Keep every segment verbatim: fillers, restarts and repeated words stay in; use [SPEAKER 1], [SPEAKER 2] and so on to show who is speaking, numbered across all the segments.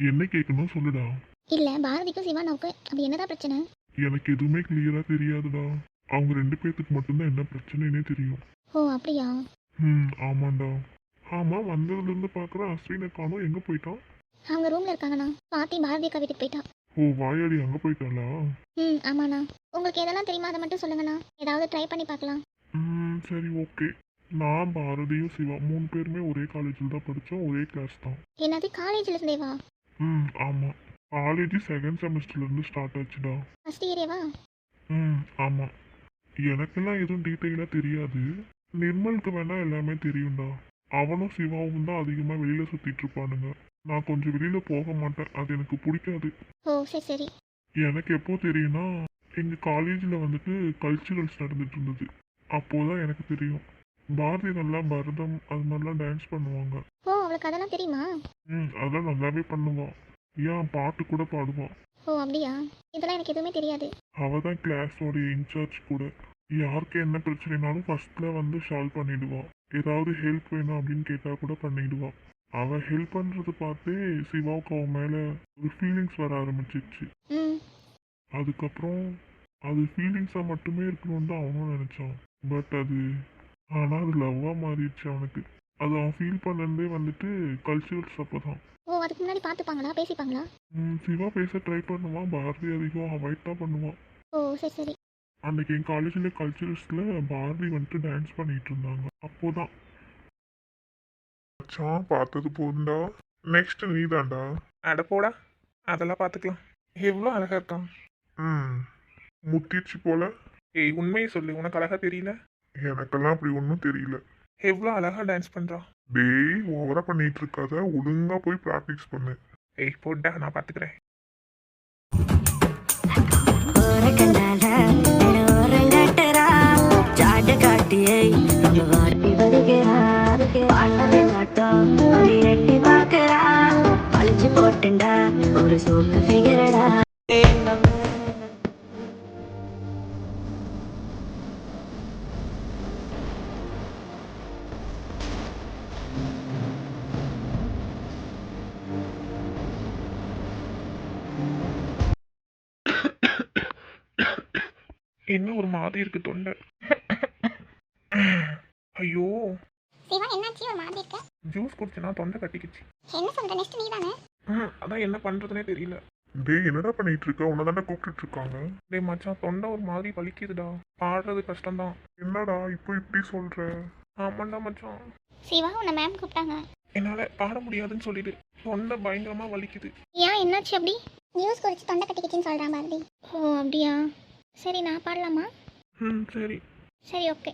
[SPEAKER 1] என்ன கேட்கணும் சொல்லுடா.
[SPEAKER 2] இல்ல பாரதிக்கும் சிவானாவுக்கு அப்படி என்னதான் பிரச்சனை?
[SPEAKER 1] எனக்கு எதுவுமே கிளியரா தெரியாதுடா. அவங்க ரெண்டு பேர்த்துக்கு மட்டும்தான் என்ன பிரச்சனைனே தெரியும்.
[SPEAKER 2] ஓ அப்படியா?
[SPEAKER 1] ம் ஆமாண்டா. ஆமா, வந்ததுல இருந்து பாக்குறேன் அஸ்வினை காணோம். எங்க போயிட்டான்?
[SPEAKER 2] அவங்க ரூம்ல இருக்காங்கண்ணா. பாட்டி பாரதி அக்கா வீட்டுக்கு போயிட்டா.
[SPEAKER 1] ஓ வாயாடி அங்க போயிட்டாளா?
[SPEAKER 2] ம் ஆமாண்ணா. உங்களுக்கு எதெல்லாம் தெரியுமா அதை மட்டும் சொல்லுங்கண்ணா, ஏதாவது ட்ரை பண்ணி பார்க்கலாம்.
[SPEAKER 1] ம் சரி ஓகே. நான் பாரதியும் சிவா மூணு பேருமே ஒரே காலேஜில் தான் படித்தோம், ஒரே கிளாஸ் தான்.
[SPEAKER 2] என்னது காலேஜ்ல இருந்தேவா?
[SPEAKER 1] ம் ஆமாம். காலேஜ் செகண்ட் செமஸ்டர்லேருந்து ஸ்டார்ட் ஆச்சுடா.
[SPEAKER 2] ஃபர்ஸ்ட் இயரேவா?
[SPEAKER 1] ம் ஆமாம். எனக்கெல்லாம் எதுவும் டீட்டெயிலாக தெரியாது. நிர்மலுக்கு வேணா எல்லாமே தெரியும்டா. அவனும் சிவாவும் தான் அதிகமாக வெளியில் சுற்றிட்டு இருப்பானுங்க. நான் கொஞ்சம் வெளியில் போக மாட்டேன், அது எனக்கு பிடிக்காது.
[SPEAKER 2] ஓ சரி சரி.
[SPEAKER 1] எனக்கு எப்போ தெரியும்னா, எங்கள் காலேஜில் வந்துட்டு கல்ச்சுரல்ஸ் நடந்துட்டு இருந்தது. அப்போதான் எனக்கு தெரியும். பாரதி நல்லா பரதம் அது மாதிரிலாம் டான்ஸ் பண்ணுவாங்க.
[SPEAKER 2] ஓ அவளுக்கு அதெல்லாம் தெரியுமா?
[SPEAKER 1] ம் அதெல்லாம் நல்லாவே பண்ணுவான். ஏன் பாட்டு கூட பாடுவான்.
[SPEAKER 2] ஓ அப்படியா? இதெல்லாம் எனக்கு எதுவுமே தெரியாது.
[SPEAKER 1] அவள் தான் கிளாஸோட இன்சார்ஜ் கூட. யாருக்கு என்ன பிரச்சனைனாலும் ஃபர்ஸ்ட்ல வந்து சால்வ் பண்ணிடுவான். ஏதாவது ஹெல்ப் வேணும் அப்படின்னு கேட்டால் கூட பண்ணிடுவான். அவள் ஹெல்ப் பண்ணுறது பார்த்தே சிவாவுக்கு அவன் மேலே ஒரு ஃபீலிங்ஸ் வர ஆரம்பிச்சிருச்சு.
[SPEAKER 2] ம்
[SPEAKER 1] அதுக்கப்புறம் அது ஃபீலிங்ஸாக மட்டுமே இருக்கணும்னு தான் அவனும் நினச்சான். பட் அது ஆனால் அது லவ்வாக மாறிடுச்சு அவனுக்கு. அது அவன் ஃபீல் பண்ணதே வந்துட்டு கல்ச்சுரல்ஸ் அப்போ தான்.
[SPEAKER 2] ஓ அதுக்கு முன்னாடி பார்த்துப்பாங்களா, பேசிப்பாங்களா?
[SPEAKER 1] சிவா பேச ட்ரை பண்ணுவான், பாரதி அதிகம் அவாய்ட் தான் பண்ணுவான்.
[SPEAKER 2] ஓ சரி சரி.
[SPEAKER 1] அன்னைக்கு என் காலேஜில் கல்ச்சுரல்ஸில் பாரதி வந்துட்டு டான்ஸ் பண்ணிட்டு இருந்தாங்க. அப்போதான் மச்சான் பார்த்தது போதுண்டா, நெக்ஸ்ட் நீ தான்டா.
[SPEAKER 3] அட போடா, அதெல்லாம் பார்த்துக்கலாம். எவ்வளோ அழகா இருக்கான்.
[SPEAKER 1] ம் முத்திச்சு போல.
[SPEAKER 3] ஏய் உண்மையை சொல்லு, உனக்கு அழகா தெரியல?
[SPEAKER 1] எனக்கெல்லாம் அப்படி ஒன்றும் தெரியல.
[SPEAKER 3] எவ்வளோ அழகா டான்ஸ் பண்ணுறான்.
[SPEAKER 1] டேய் ஓவரா பண்ணிட்டு இருக்காத, ஒழுங்கா போய் ப்ராக்டிஸ் பண்ணு.
[SPEAKER 3] ஏய் போட்டா, நான் பார்த்துக்கிறேன்.
[SPEAKER 4] ஒரு சோப்பு ஃபிகரடா.
[SPEAKER 3] என்ன ஒரு மாதிரி இருக்கு தொண்டை. ஐயோ
[SPEAKER 2] சிவா என்னாச்சு ஒரு மாதிரி இருக்க?
[SPEAKER 3] ஜூஸ் குடிச்சனா தொண்டை கட்டிக்கிச்சு.
[SPEAKER 2] என்ன சொல்ற, நெக்ஸ்ட் நீ தானே?
[SPEAKER 3] ம் அதான் என்ன பண்றதுனே தெரியல.
[SPEAKER 1] டேய் என்னடா பண்ணிட்டு இருக்க? உன்னை தானே கூப்பிட்டு இருக்காங்க.
[SPEAKER 3] டேய் மச்சான், தொண்டை ஒரு மாதிரி வலிக்குதுடா. பாடுறது கஷ்டம்தான்.
[SPEAKER 1] என்னடா இப்போ இப்படி சொல்ற?
[SPEAKER 3] ஆமாண்டா மச்சான்,
[SPEAKER 2] சிவா உன்னை மேம் கூப்பிட்டாங்க.
[SPEAKER 3] என்னால பாட முடியாதுன்னு சொல்லிடு. தொண்டை பயங்கரமா வலிக்குது.
[SPEAKER 2] ஏன் என்னாச்சு அப்படி? நியூஸ் குறித்து தொண்டை கட்டிக்கிச்சின்னு சொல்கிறான் பாரதி. ஓ அப்படியா? சரி நான் பாடலாமா?
[SPEAKER 3] ம் சரி.
[SPEAKER 2] சரி ஓகே.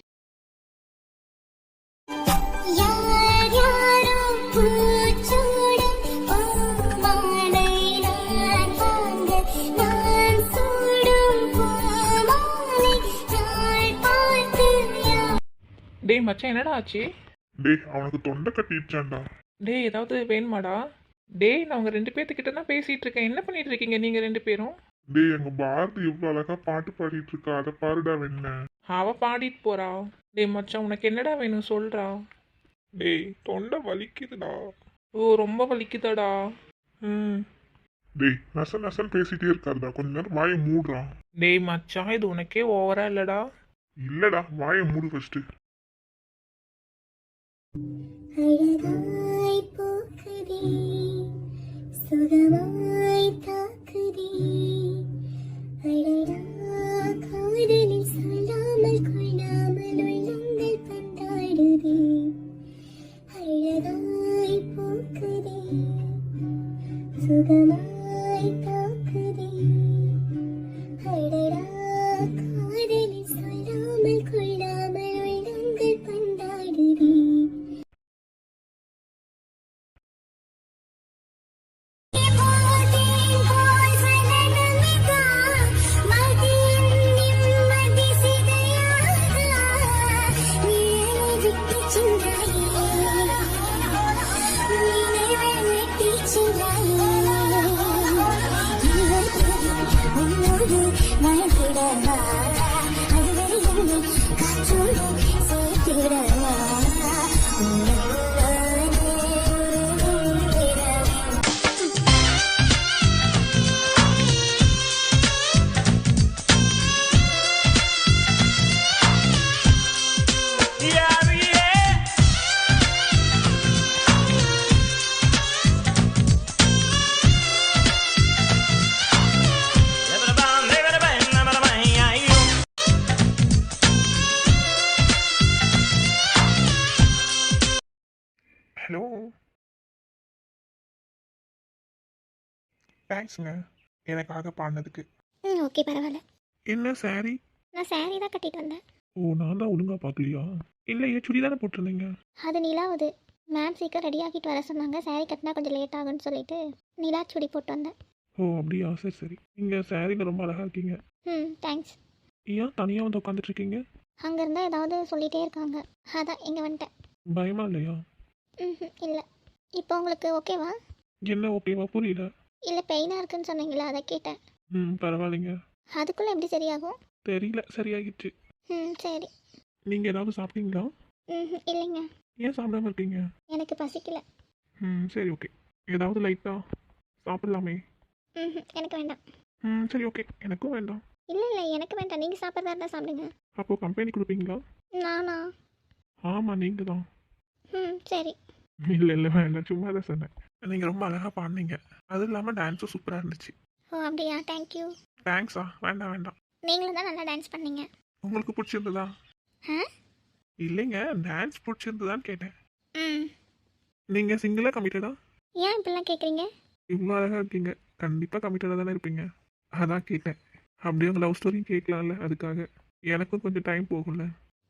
[SPEAKER 3] டேய் மச்சான், என்னடா ஆச்சு?
[SPEAKER 1] டேய் அவனுக்கு தொண்டை கட்டிடுச்சான்டா.
[SPEAKER 3] டேய் ஏதாவது வேணுமாடா? டேய் நான் உங்க ரெண்டு பேர்த்துக்கிட்ட தான் பேசிட்டு இருக்கேன். என்ன பண்ணிட்டு இருக்கீங்க நீங்க ரெண்டு பேரும்?
[SPEAKER 1] டேய் எங்க பாரதி எவ்வளவு அழகா பாட்டு பாடிட்டு இருக்கா, அதை பாருடா வேணா.
[SPEAKER 3] அவ பாடிட்டு போறா. டேய் மச்சான், உனக்கு என்னடா வேணும் சொல்றா. டேய் தொண்டை வலிக்குதுடா. ஓ ரொம்ப வலிக்குதாடா. ம்
[SPEAKER 1] டேய் நச நசன் பேசிட்டே இருக்காருடா, கொஞ்ச நேரம் வாயை மூடுறான்.
[SPEAKER 3] டேய் மச்சான், இது உனக்கே ஓவரா இல்லடா?
[SPEAKER 1] இல்லடா வாயை மூடு ஃபர்ஸ்ட்.
[SPEAKER 4] அழகாய் போக்குதே, சுகமாய் தாக்குதே, அழகா காதலில் சொல்லாமல் கொள்ளாமல் உள்ளங்கள் பந்தாடுதே, அழகாய் போக்குதே, சுகமாய் தாக்குதே, அழகா காதலில் சொல்லாமல் கொள்ளாமல் உள்ளங்கள் பந்தாடுதே.
[SPEAKER 3] தேங்க்ஸுங்க எனக்காக பாடினதுக்கு.
[SPEAKER 2] ம் ஓகே பரவாயில்ல.
[SPEAKER 3] என்ன சாரி?
[SPEAKER 2] நான் saree தான் கட்டிட்டு வந்தேன்.
[SPEAKER 3] ஓ நான் தான் ஒழுங்கா பார்க்கலையா? இல்லையே சுடி தானே போட்டிருந்தீங்க.
[SPEAKER 2] அது நிலாவுது. மேம் சீக்கிரம் ரெடி ஆகிட்டு வர சொன்னாங்க. saree கட்டினா கொஞ்சம் லேட் ஆகும்னு சொல்லிட்டு நிலா சுடி போட்டு வந்தேன்.
[SPEAKER 3] ஓ அப்படியா, சரி சரி. நீங்கள் சாரியில் ரொம்ப அழகாக இருக்கீங்க.
[SPEAKER 2] ம் தேங்க்ஸ்.
[SPEAKER 3] ஏன் தனியாக வந்து உட்காந்துட்டு இருக்கீங்க?
[SPEAKER 2] அங்கே இருந்தால் ஏதாவது சொல்லிகிட்டே இருக்காங்க, அதான் இங்கே வந்துட்டேன்.
[SPEAKER 3] பயமா இல்லையா?
[SPEAKER 2] ம் இல்லை. இப்போ உங்களுக்கு ஓகேவா?
[SPEAKER 3] என்ன ஓகேவா, புரியல.
[SPEAKER 2] இல்லை பெயினாக இருக்குன்னு சொன்னீங்களா, அதை கேட்டேன்.
[SPEAKER 3] ம் பரவாயில்லைங்க.
[SPEAKER 2] அதுக்குள்ளே எப்படி சரியாகும்?
[SPEAKER 3] தெரியல, சரியாகிடுச்சு.
[SPEAKER 2] ம் சரி.
[SPEAKER 3] நீங்கள் ஏதாவது சாப்பிட்டீங்களா?
[SPEAKER 2] ம் இல்லைங்க,
[SPEAKER 3] ஏன் சாப்பிடாம இருக்கீங்க?
[SPEAKER 2] எனக்கு பசிக்கல.
[SPEAKER 3] ம் சரி ஓகே. ஏதாவது லைட்டாக சாப்பிடலாமே?
[SPEAKER 2] ம் எனக்கு வேண்டாம்.
[SPEAKER 3] ம் சரி ஓகே, எனக்கும் வேண்டாம்.
[SPEAKER 2] இல்லை இல்லை எனக்கு வேண்டாம், நீங்கள் சாப்பிட்றதா இருந்தால் சாப்பிடுங்க.
[SPEAKER 3] அப்போது கம்பெனி கொடுப்பீங்களா?
[SPEAKER 2] நானா?
[SPEAKER 3] ஆமாம் நீங்கள் தான்.
[SPEAKER 2] ம் சரி.
[SPEAKER 3] இல்லை இல்லை வேண்டாம், சும்மா தான் சொன்னேன். நீங்கள் ரொம்ப அழகாக பாடினீங்க, அதுவும் இல்லாமல் டான்ஸும் சூப்பராக இருந்துச்சு.
[SPEAKER 2] ஓ அப்படியா, தேங்க்யூ.
[SPEAKER 3] தேங்க்ஸா, வேண்டாம் வேண்டாம்.
[SPEAKER 2] நீங்களும் தான் நல்லா டான்ஸ் பண்ணீங்க.
[SPEAKER 3] உங்களுக்கு பிடிச்சிருந்ததா?
[SPEAKER 2] ஆ
[SPEAKER 3] இல்லைங்க, டான்ஸ் பிடிச்சிருந்ததான்னு கேட்டேன்.
[SPEAKER 2] ம்
[SPEAKER 3] நீங்கள் சிங்கிளாக கமிட்டடா?
[SPEAKER 2] ஏன் இப்படிலாம் கேட்குறீங்க?
[SPEAKER 3] இவ்வளோ அழகாக இருக்கீங்க, கண்டிப்பாக கமிட்டடாக தானே இருப்பீங்க, அதான் கேட்டேன். அப்படியே உங்கள் லவ் ஸ்டோரியும் கேட்கலாம்ல, அதுக்காக. எனக்கும் கொஞ்சம் டைம் போகும்ல.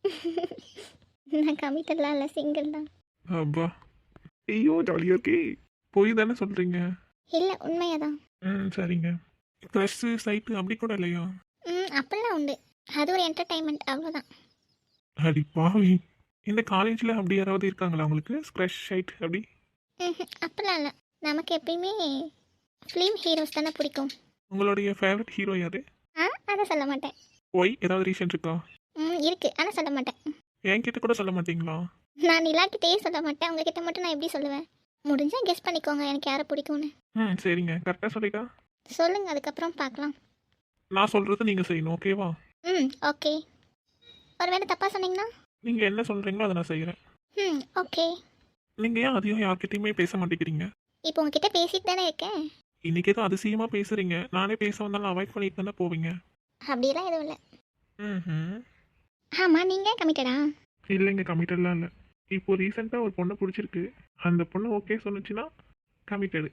[SPEAKER 2] நான் கமிட்டட்லாம் இல்லை, சிங்கிள் தான்.
[SPEAKER 3] அப்பா, ஐயோ ஜாலியாக இருக்கே. போய் தானே சொல்கிறீங்க?
[SPEAKER 2] இல்லை உண்மையாக தான்.
[SPEAKER 3] ம் சரிங்க. க்ரஷ்ஷு சைட்டு அப்படி கூட இல்லையா?
[SPEAKER 2] ம் அப்படிலாம் உண்டு, அது ஒரு என்டர்டைன்மெண்ட் அவ்வளோதான்.
[SPEAKER 3] அடி பாவி, இந்த காலேஜில் அப்படி யாராவது இருக்காங்களா உங்களுக்கு க்ரஷ் சைட் அப்படி?
[SPEAKER 2] ம் அப்படிலாம் இல்லை, நமக்கு எப்பயுமே ஃபிலிம் ஹீரோஸ் தானே பிடிக்கும்.
[SPEAKER 3] உங்களுடைய ஃபேவரட் ஹீரோ யாரு?
[SPEAKER 2] ஆ அதை சொல்ல மாட்டேன்.
[SPEAKER 3] ஒய், ஏதாவது ரீசன் இருக்கா?
[SPEAKER 2] ம் இருக்குது, ஆனால் சொல்ல மாட்டேன்.
[SPEAKER 3] என்கிட்ட கூட சொல்ல மாட்டீங்களா?
[SPEAKER 2] நான் நிலாக்கிட்டே சொல்ல மாட்டேன், உங்ககிட்ட மட்டும் நான் எப்படி சொல்லுவேன்? முடிஞ்சால் கெஸ் பண்ணிக்கோங்க எனக்கு யாரை பிடிக்கும்னு.
[SPEAKER 3] ம் சரிங்க, கரெக்டாக சொல்லிட்டா?
[SPEAKER 2] சொல்லுங்கள், அதுக்கப்புறம் பார்க்கலாம்.
[SPEAKER 3] நான் சொல்கிறது நீங்கள் செய்யணும், ஓகேவா?
[SPEAKER 2] ம் ஓகே. ஒருவேளை தப்பாக சொன்னீங்கன்னா?
[SPEAKER 3] நீங்கள் என்ன சொல்கிறீங்களோ அதை நான் செய்கிறேன்.
[SPEAKER 2] ம் ஓகே.
[SPEAKER 3] நீங்கள் ஏன் அதிகம் யார்கிட்டயுமே பேச மாட்டேங்கிறீங்க?
[SPEAKER 2] இப்போ உங்ககிட்ட பேசிட்டு தானே இருக்கேன்.
[SPEAKER 3] இன்றைக்கி ஏதோ அதிசயமாக பேசுகிறீங்க, நானே பேச வந்தாலும் அவாய்ட் பண்ணிட்டு தானே போவீங்க.
[SPEAKER 2] அப்படியெல்லாம் எதுவும் இல்லை.
[SPEAKER 3] ம்
[SPEAKER 2] ஆமாம், நீங்கள் கமிட்டடா?
[SPEAKER 3] இல்லைங்க, கமிட்டட்லாம் இல்லை. இப்போ ரீசெண்டாக ஒரு பொண்ணை பிடிச்சிருக்கு, அந்த பொண்ணு ஓகே சொன்னுச்சுன்னா கமிட்டடு.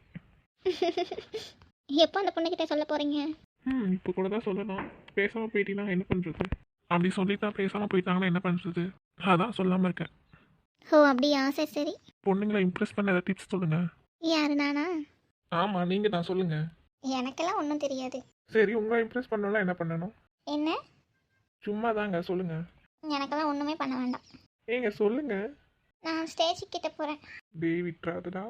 [SPEAKER 2] எப்போ அந்த பொண்ணுக்கிட்ட சொல்ல போகிறீங்க?
[SPEAKER 3] ம் இப்போ கூட தான் சொல்லலாம். பேசாமல் போயிட்டீங்கன்னா என்ன பண்ணுறது? அப்படி சொல்லிட்டா பேசாமல் போயிட்டாங்கன்னா என்ன பண்ணுறது? அதான் சொல்லாமல் இருக்கேன்.
[SPEAKER 2] ஓ அப்படியா, சரி சரி.
[SPEAKER 3] பொண்ணுங்களை இம்ப்ரெஸ் பண்ண ஏதாவது டிப்ஸ் சொல்லுங்கள்.
[SPEAKER 2] யாரு, நானா?
[SPEAKER 3] ஆமாம் நீங்கள் தான் சொல்லுங்கள்.
[SPEAKER 2] எனக்கெல்லாம் ஒன்றும் தெரியாது.
[SPEAKER 3] சரி, உங்களை இம்ப்ரெஸ் பண்ணலாம் என்ன பண்ணணும்?
[SPEAKER 2] என்ன?
[SPEAKER 3] சும்மா தாங்க, சொல்லுங்கள்.
[SPEAKER 2] எனக்கெல்லாம் ஒன்றுமே பண்ண வேண்டாம்.
[SPEAKER 3] ஏங்க சொல்லுங்கள்.
[SPEAKER 2] நான் ஸ்டேஜ் கிட்ட போகிறேன்.
[SPEAKER 3] டேய் விட்றாதுடா.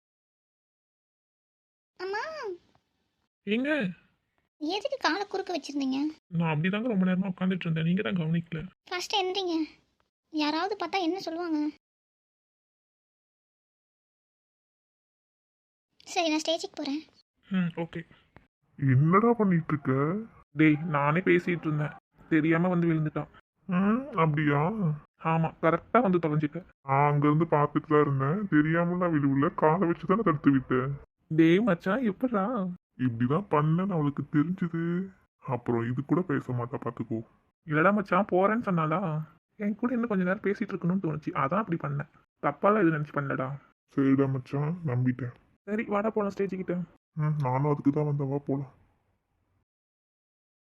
[SPEAKER 2] அம்மா,
[SPEAKER 3] ஏங்க
[SPEAKER 2] எதுக்கு காலை குறுக்க வச்சுருந்தீங்க?
[SPEAKER 3] நான் அப்படி தாங்க ரொம்ப நேரமாக உட்காந்துட்டு இருந்தேன், நீங்கள் தான் கவனிக்கல.
[SPEAKER 2] ஃபஸ்ட்டு எந்திரிங்க, யாராவது பார்த்தா என்ன சொல்லுவாங்க? சரி நான் ஸ்டேஜுக்கு போகிறேன்.
[SPEAKER 3] ம் ஓகே.
[SPEAKER 1] என்னடா பண்ணிட்டு இருக்க?
[SPEAKER 3] டேய் நானே பேசிகிட்டு இருந்தேன், தெரியாமல் வந்து விழுந்துட்டான்.
[SPEAKER 1] ம் அப்படியா?
[SPEAKER 3] ஆமாம், கரெக்டாக வந்து தொலைஞ்சிட்டேன்.
[SPEAKER 1] நான் அங்கிருந்து பார்த்துட்டு தான் இருந்தேன், தெரியாமலாம் விழுவுல, காலை வச்சு தானே தடுத்து விட்டேன்.
[SPEAKER 3] டேய் மச்சான் எப்படா?
[SPEAKER 1] இப்படிதான் பண்ணன்னு அவளுக்கு தெரிஞ்சுது, அப்புறம் இது கூட பேச மாட்டா, பார்த்துக்கோ.
[SPEAKER 3] இல்லடா மச்சான், போகிறேன்னு சொன்னாலா, என் கூட இன்னும் கொஞ்ச நேரம் பேசிகிட்டு இருக்கணும்னு தோணுச்சு, அதான் அப்படி பண்ணேன். தப்பாலாம் இது நினச்சி பண்ணலடா.
[SPEAKER 1] சரிடா மச்சான், நம்பிட்டேன்.
[SPEAKER 3] சரி வாடா போகலாம் ஸ்டேஜுக்கிட்ட.
[SPEAKER 1] ம் நானும் அதுக்கு தான் வந்தவா, போலாம்.